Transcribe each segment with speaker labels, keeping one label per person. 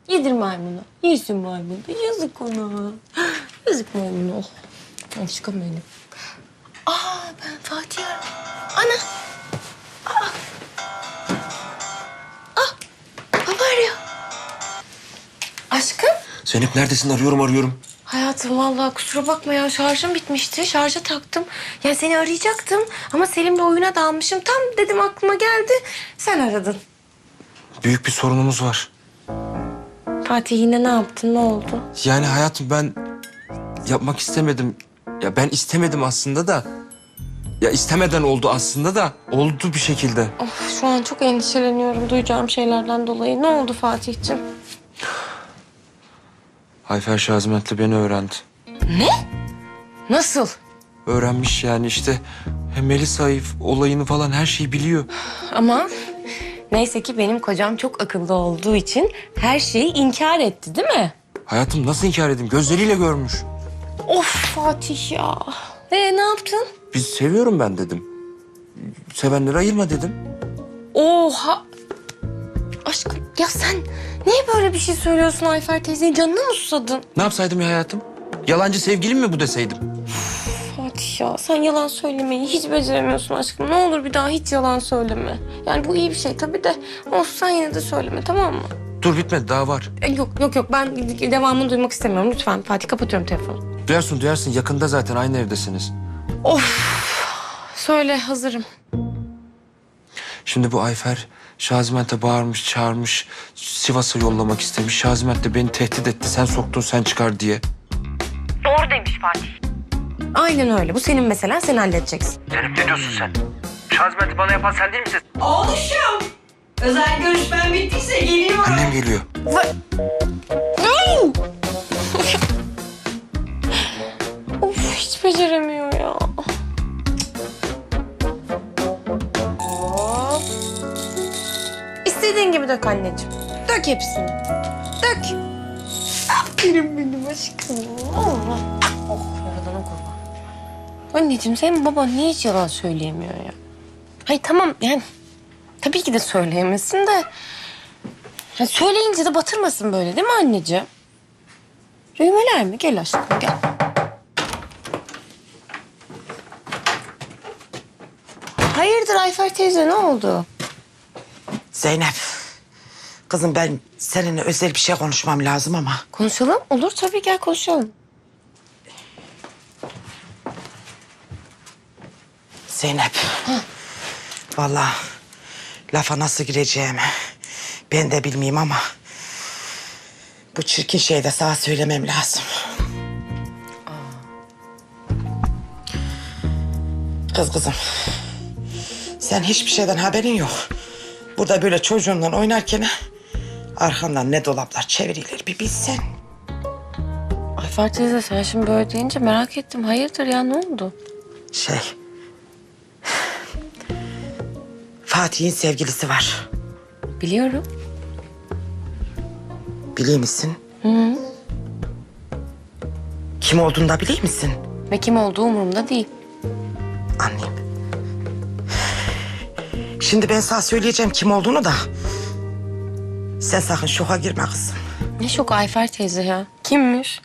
Speaker 1: Yedir maymunu. Yesin maymunu. Yazık ona. Yazık maymunu. Aşkım benim. Ben Fatih'i aradım. Ana. Baba arıyor. Aşkım.
Speaker 2: Zeynep neredesin? Arıyorum.
Speaker 1: Hayatım vallahi kusura bakma ya, şarjım bitmişti. Şarja taktım. Yani seni arayacaktım ama Selim'le oyuna dalmışım. Tam dedim aklıma geldi. Sen aradın.
Speaker 2: Büyük bir sorunumuz var.
Speaker 1: Fatih yine ne yaptın? Ne oldu?
Speaker 2: Yani hayatım ben yapmak istemedim. Ya ben istemedim aslında da. Ya istemeden oldu aslında da. Oldu bir şekilde.
Speaker 1: Of, şu an çok endişeleniyorum duyacağım şeylerden dolayı. Ne oldu Fatih'ciğim?
Speaker 2: Ayfer Şazimet'le beni öğrendi.
Speaker 1: Ne? Nasıl?
Speaker 2: Öğrenmiş yani işte. Melisa olayını falan her şeyi biliyor.
Speaker 1: Ama neyse ki benim kocam çok akıllı olduğu için her şeyi inkar etti, değil mi?
Speaker 2: Hayatım nasıl inkar edeyim? Gözleriyle görmüş.
Speaker 1: Of Fatih ya. Ne yaptın?
Speaker 2: Biz seviyorum ben dedim. Sevenleri ayırma dedim.
Speaker 1: Oha. Aşkım ya sen niye böyle bir şey söylüyorsun Ayfer teyzenin canına mı susadın?
Speaker 2: Ne yapsaydım ya hayatım? Yalancı sevgilim mi bu deseydim?
Speaker 1: Fatih ya sen yalan söylemeyi hiç beceremiyorsun aşkım. Ne olur bir daha hiç yalan söyleme. Yani bu iyi bir şey tabii de olsun, sen yine de söyleme, tamam mı?
Speaker 2: Dur bitmedi daha var.
Speaker 1: Yok ben devamını duymak istemiyorum. Lütfen Fatih, kapatıyorum telefonu.
Speaker 2: Duyarsın yakında zaten aynı evdesiniz.
Speaker 1: Söyle, hazırım.
Speaker 2: Şimdi bu Ayfer Şazimet'e bağırmış, çağırmış, Sivas'a yollamak istemiş. Şaziment de beni tehdit etti. Sen soktun, sen çıkar diye.
Speaker 1: Doğru demiş Fatih. Aynen öyle. Bu senin meselen, sen halledeceksin.
Speaker 2: Zeynep ne diyorsun sen? Şazimet'i bana yapan sen değil misin?
Speaker 3: Oğluşum, özel görüşmen bittiyse geliyorum.
Speaker 2: Annem geliyor.
Speaker 1: Of, hiç beceremiyor ya. Hop. İstediğin gibi dök anneciğim. Dök hepsini. Dök. Aferin benim aşkım. Allah. Oh, yaradana kurban. Anneciğim senin baban niye hiç yalan söyleyemiyor ya? Hayır tamam yani tabii ki de söyleyemesin de. Ya söyleyince de batırmasın böyle, değil mi anneciğim? Düğmeler mi? Gel aşkım gel. Hayırdır Ayfer teyze, ne oldu?
Speaker 3: Zeynep, kızım ben seninle özel bir şey konuşmam lazım ama.
Speaker 1: Konuşalım. Olur tabii, gel konuşalım.
Speaker 3: Zeynep, vallahi lafa nasıl gireceğimi ben de bilmeyeyim ama bu çirkin şeyi de sana söylemem lazım. Kızım, sen hiçbir şeyden haberin yok. Burada böyle çocuğunla oynarken arkandan ne dolaplar çevirilir bir bilsen.
Speaker 1: Ayfer teyze sen şimdi böyle deyince merak ettim. Hayırdır ya, ne oldu?
Speaker 3: Fatih'in sevgilisi var.
Speaker 1: Biliyorum.
Speaker 3: Biliyor musun? Kim olduğunu da biliyor musun?
Speaker 1: Ve kim olduğu umurumda değil.
Speaker 3: Anlayayım. Şimdi ben sana söyleyeceğim kim olduğunu da. Sen sakın şoka girme kızım.
Speaker 1: Ne şok Ayfer teyze ya. Kimmiş?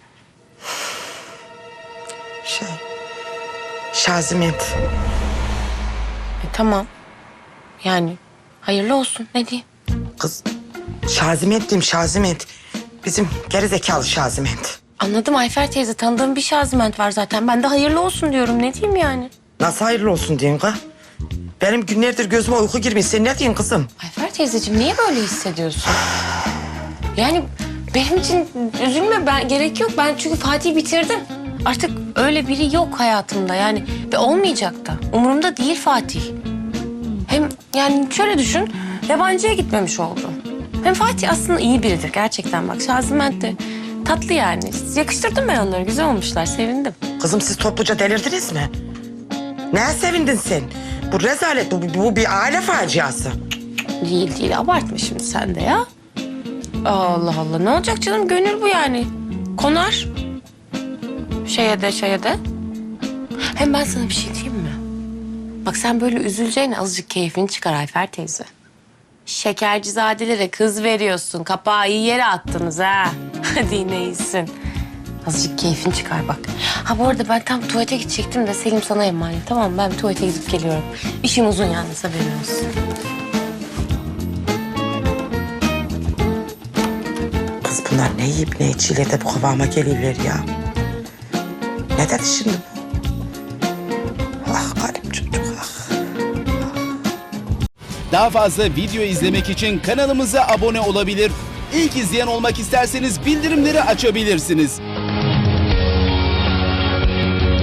Speaker 3: Şazimet.
Speaker 1: Tamam. Yani hayırlı olsun, ne diyeyim?
Speaker 3: Kız Şazimet diyeyim Şazimet. Bizim gerizekalı Şazimet.
Speaker 1: Anladım Ayfer teyze, tanıdığım bir Şaziment var zaten. Ben de hayırlı olsun diyorum, ne diyeyim yani?
Speaker 3: Nasıl hayırlı olsun diyorsun kız? Benim günlerdir gözüme uyku girmiyor. Sen ne diyorsun kızım?
Speaker 1: Ayfer teyzeciğim niye böyle hissediyorsun? Yani benim için üzülme, gerek yok. Ben çünkü Fatih'i bitirdim. Artık öyle biri yok hayatımda yani. Ve olmayacak da. Umurumda değil Fatih. Hem yani şöyle düşün, yabancıya gitmemiş oldu. Hem Fatih aslında iyi biridir gerçekten, bak. Şaziment de tatlı yani. Yakıştırdım ben onları, güzel olmuşlar, sevindim.
Speaker 3: Kızım siz topluca delirdiniz mi? Neye sevindin sen? Bu rezalet, bu bir aile faciası.
Speaker 1: Değil, abartma şimdi sen de ya. Allah Allah, ne olacak canım, gönül bu yani. Konar. Şeye de. Hem ben sana bir şey diyeyim mi? Bak sen böyle üzüleceğine azıcık keyfini çıkar Ayfer teyze. Şekercizadelere kız veriyorsun. Kapağı iyi yere attınız ha. Hadi yine iyisin. Azıcık keyfin çıkar bak. Ha bu arada ben tam tuvalete gidecektim de Selim sana emanet. Tamam mı? Ben bir tuvalete gidip geliyorum. İşim uzun yalnız, haberin olsun.
Speaker 3: Kız bunlar ne yiyip ne içiyle de bu kıvama gelirler ya. Ne dedi şimdi bu? Ah garip çocuk ah.
Speaker 4: Daha fazla video izlemek için kanalımıza abone olabilir. İlk izleyen olmak isterseniz bildirimleri açabilirsiniz.